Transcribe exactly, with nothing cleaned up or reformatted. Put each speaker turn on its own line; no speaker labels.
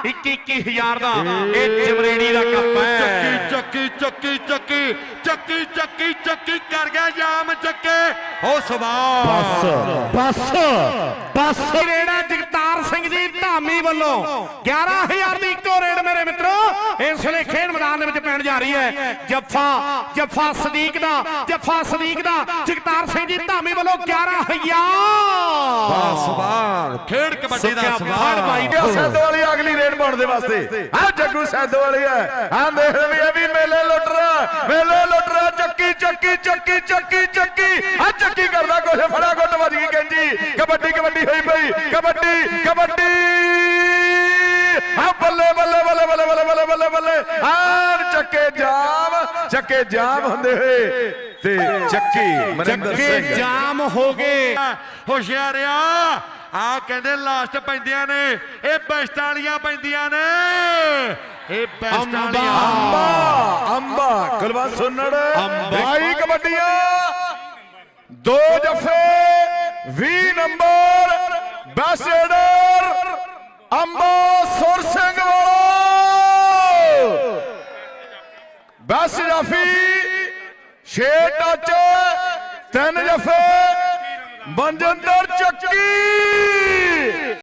इक्की इक्की हजार का ये जमरेड़ी का कप है।
ਚੱਕੀ ਚੱਕੀ ਚੱਕੀ ਚੱਕੀ ਚੱਕੀ ਚੱਕੀ कर गया जाम ਚੱਕੇ हो सवार
बस बस बस
रेड़ा जगतार सिंह जी धामी वालों ग्यारह हजार की इको रेड मेरे मित्रों इस वे खेल मैदान में पैन जा रही है। जफा जफा सदीक दा जफा सदीक दा जगतार सिंह जी धामी वालों ग्यारह हजार
सवार खेड कबड्डी दा सवार
भाई
सैदो वाली अगली रेड पाने वास्ते हाँ जग्गू सैदो वाली है हाँ देख भी अभी मेले लुट रहा मेले लुट रहा चक्की चक्की चक्की चक्की चक्की हाँ चक्की करना कुछ फड़ा गुट बज गई कहजी कबड्डी कबड्डी हुई पई कबड्डी कबड्डी हाँ बल्ले बल्ले बल्ले बल्ले बल्ले बल्ले बल्ले बल्ले हाँ चक्के जाम चक्के जाम होंदे हुए ते चक्की मनिंदर
चक्के
सिंह
जाम हो गए।
होशियारिया आ कहते लास्ट पैंदियां ने ये बेस्ट वालियां पैंदियां ने ये बेस्ट वालियां
अंबा अंबा कुलवंत सुन्नड़ भाई कबड्डियां दो जफे वी नंबर बैसेडर अंबा सुर सिंह बस जाफी छे टच तीन जफे मनजिंदर चक्की।